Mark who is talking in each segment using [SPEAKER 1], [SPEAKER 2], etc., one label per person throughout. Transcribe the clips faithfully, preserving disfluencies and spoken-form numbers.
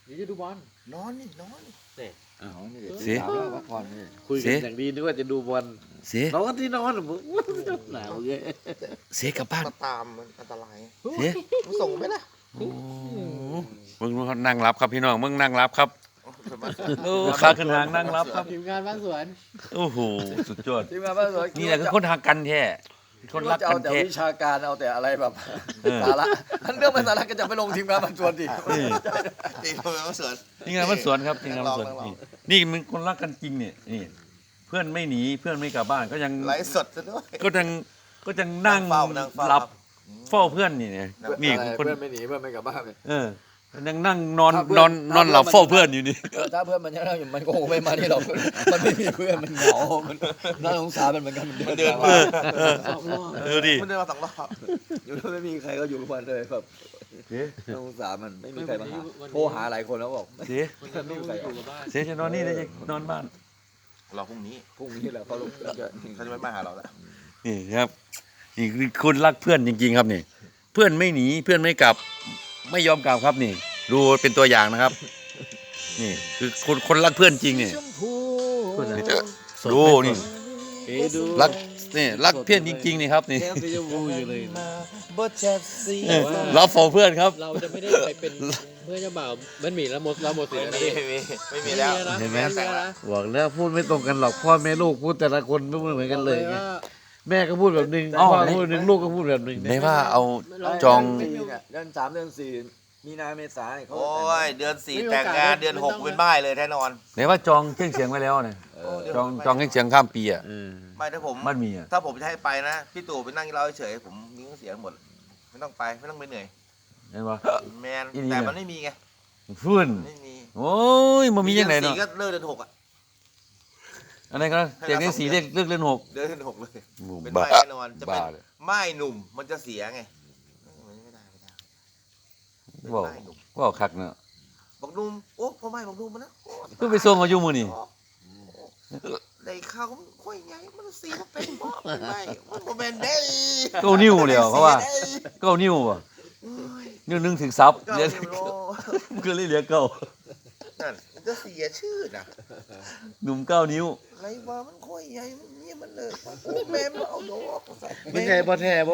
[SPEAKER 1] เดี๋ยวจะดูบอล
[SPEAKER 2] นอนนี่นอนนี่
[SPEAKER 1] เนี่ย
[SPEAKER 3] อ้าวนี่
[SPEAKER 4] สิ
[SPEAKER 3] สาวแล้วพักผ่อนนี่
[SPEAKER 1] คุยกันอย่างดีนึกว่าจะดูบอล
[SPEAKER 4] เสีย
[SPEAKER 1] นอนที่นอนผมหนาวเงี้ย
[SPEAKER 4] เสียกลับบ้าน
[SPEAKER 2] มาตามมันอันตราย
[SPEAKER 4] เสีย
[SPEAKER 2] มึงส่งไหมล่ะ
[SPEAKER 4] โอ้มึงเขานั่งรับครับพี่น้องมึงนั่งรับครับโอ้ขาขึ้นหางนั่งรับครับ
[SPEAKER 1] ทีมงานบ้านสวน
[SPEAKER 4] โอ้โหสุดยอด
[SPEAKER 3] ทีมงานบ้านสวน
[SPEAKER 4] นี่แหละคือคนทางกันแท้คนรัก
[SPEAKER 3] จะ
[SPEAKER 4] กั
[SPEAKER 3] เอา
[SPEAKER 4] น
[SPEAKER 3] แต่
[SPEAKER 4] แท้
[SPEAKER 3] วิชาการเอาแต่อะไรแบบ
[SPEAKER 4] เออ
[SPEAKER 3] สาระอันเรื่องไม่สาระก็จะไปลงทีมงานบ้านสวนดิ
[SPEAKER 2] ตีมันมาสวน
[SPEAKER 4] นี่ไงานมันสวนครับนี่ไงานมันสวน
[SPEAKER 2] ลองลอง
[SPEAKER 4] นี่นี่มันคนรักกันจริงเนี่ยนี่เพื่อนไม่หนีเพื่อนไม่กลับบ้านก็ยัง
[SPEAKER 2] ไลฟ์สดซะด้วย
[SPEAKER 4] ก็ยังก็ยังนั่ง
[SPEAKER 2] นั่งเฝ้านั่งเฝ้า
[SPEAKER 4] หลับ
[SPEAKER 2] ครับ
[SPEAKER 4] เฝ้าเพื่อนนี่เนี่ยนี่
[SPEAKER 3] อะไร
[SPEAKER 4] คน
[SPEAKER 3] เพื่อนไม่หนีเพื่อนไม่กลับบ้านเลย
[SPEAKER 4] เออยังนั่งนอน
[SPEAKER 3] ถ้าเพื่
[SPEAKER 4] น
[SPEAKER 3] อ
[SPEAKER 4] อน นนอนหลับ
[SPEAKER 3] ถ้า
[SPEAKER 4] เฝ้า
[SPEAKER 3] เพื่
[SPEAKER 4] เพื่อ
[SPEAKER 3] อน น
[SPEAKER 4] อยู่นี่
[SPEAKER 3] เออถ้าเพื่อนมันยังนั่งอยู่มันก็คงไม่มาที่เรามันไม่มีเพื่อนมันเหงามันน่าสงสารมันเหมือนกันมันเดิน
[SPEAKER 4] เอ
[SPEAKER 3] มา
[SPEAKER 4] อเออเออดิ
[SPEAKER 2] มันเดินมาสองรอบ
[SPEAKER 3] อยู่แล้วไม่มีใครก็อยู่กับมันเลยแบบน่าสงสารมันไม่มีใครมาหาโทรหาหลายคนแล้วบอก
[SPEAKER 4] เสีย
[SPEAKER 1] มันไม่อยู่กับบ้าน
[SPEAKER 4] เสียจะนอนนี่ได้จะนอนบ้าน
[SPEAKER 2] รอพรุ่งนี้
[SPEAKER 3] พรุ่งนี้แหละเขาลงจะ
[SPEAKER 2] เขาจะไม่มาหาเราแล้ว
[SPEAKER 4] นี่ครับนี่คือคนรักเพื่อนจริง ๆ ครับนี่ เพื่อนไม่หนีเพื่อนไม่กลับ ไม่ยอมกลับครับนี่ ดูเป็นตัวอย่างนะครับ นี่คือคนคนรักเพื่อนจริงนี่
[SPEAKER 1] คนนะ
[SPEAKER 4] ดูนี่
[SPEAKER 1] เอ้ดู
[SPEAKER 4] รักนี่รักเพื่อนจริง ๆ นี่ครับนี่
[SPEAKER 1] แก้มสีชมพูอยู่เลย
[SPEAKER 2] บ่จัดสี
[SPEAKER 4] เออรับฟอเพื่อนครับ
[SPEAKER 1] เราจะไม่ได้ไปเป็นเพื่อนเจ้าบ่าวมันหมีแล้วหมดเราหมดสิทธิ์
[SPEAKER 2] ไม่
[SPEAKER 1] แล้ว
[SPEAKER 2] มี
[SPEAKER 1] นี่
[SPEAKER 2] ไม่มีไม่มีแล้ว
[SPEAKER 1] นะ
[SPEAKER 4] เห็นไหม
[SPEAKER 1] แต่งแล้วนะ
[SPEAKER 5] บอกแล้วพูดไม่ตรงกันหรอกพ่อแม่ลูกพูดแต่ละคนไม่เหมือนกันเลยไง
[SPEAKER 1] ว่า
[SPEAKER 5] แม่ก็พูดแบบหนึง
[SPEAKER 4] อ้าว
[SPEAKER 5] พ่อก็พูดแบบหนึงลูกก็พูดแบบหนึง
[SPEAKER 4] ได้ว่าเอาจอง
[SPEAKER 3] เดือนสามเดือนสี่มีนาเมษาเนี่ยเขา
[SPEAKER 2] โอ้ยเดือนสี่แต่งงานเดือนหกเป็นบ้ายเลยแน่นอน
[SPEAKER 4] ได้ว่าจองเครื่องเสียงไว้แล้วเนี่ยจองจองเครื่องเสียงข้ามปีอ่ะ
[SPEAKER 5] เออ
[SPEAKER 2] ไม่ถ้าผม
[SPEAKER 4] มันมีอ่ะ
[SPEAKER 2] ถ้าผมจะให้ไปนะพี่ตู่ไปนั่งกินเหล้าเฉยๆผมมีเครื่องเสียงหมด ไม่ต้องไปไม่ต้องไปเหนื่อย
[SPEAKER 4] เห็นปะ
[SPEAKER 2] แมน
[SPEAKER 4] อีนี่
[SPEAKER 2] แต่
[SPEAKER 4] เนี่ย
[SPEAKER 2] มันไม่มีไง
[SPEAKER 4] ฟื้น
[SPEAKER 2] ไม่มี
[SPEAKER 4] โอ้ยมันมียังไง
[SPEAKER 2] ดือ
[SPEAKER 4] เนาะ
[SPEAKER 2] สี่ก็เลิกเดือนหกอ่ะ
[SPEAKER 4] อะไรก็เสียงได้สีเลขเลือกเล่นหก
[SPEAKER 2] เดือนหกเลย เป็น
[SPEAKER 4] บ้า
[SPEAKER 2] ไม่แน่นอนจะเป็น
[SPEAKER 4] บ้าเลย
[SPEAKER 2] ไม่หนุ่มมันจะเสียไงไม่ได้ไม่ได้เป็น
[SPEAKER 4] ว้าว
[SPEAKER 2] ไม่หนุ่ม
[SPEAKER 4] ว้าวคักเนาะ
[SPEAKER 2] บอกหนุ่มโอ้พ่อไม่บอกหนุ่มมันนะโอ้
[SPEAKER 4] เพิ่งไปส่งเขาอยู่มือนี่
[SPEAKER 2] ได้ข้าวมันค่อยใหญ่มันเสียเป็นบ่เป็นไม่มันบ่แม่นได้
[SPEAKER 4] เก้านิ้วเลยเหรอเขาว่า
[SPEAKER 2] สียได้
[SPEAKER 4] เก้านิ้วป่ะ
[SPEAKER 2] โอ้ย
[SPEAKER 4] นิ้วหนึงถึงซับ
[SPEAKER 2] เก้า
[SPEAKER 4] เรียก
[SPEAKER 2] นิ้วโล
[SPEAKER 4] ก็เลยเหลือเก้า
[SPEAKER 2] นั่นมันจะเสียชื่อนะ
[SPEAKER 4] หนุ่มเก้านิ้ว
[SPEAKER 2] ไรว่ามันค่อยใหญ่มันเนี่ยมันเลยโอ้แม่มาเอาดอกใส่
[SPEAKER 5] ไม่ใช่พ่อแท้บ่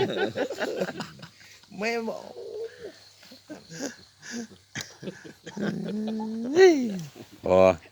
[SPEAKER 2] แม่บอก
[SPEAKER 4] อ๋อ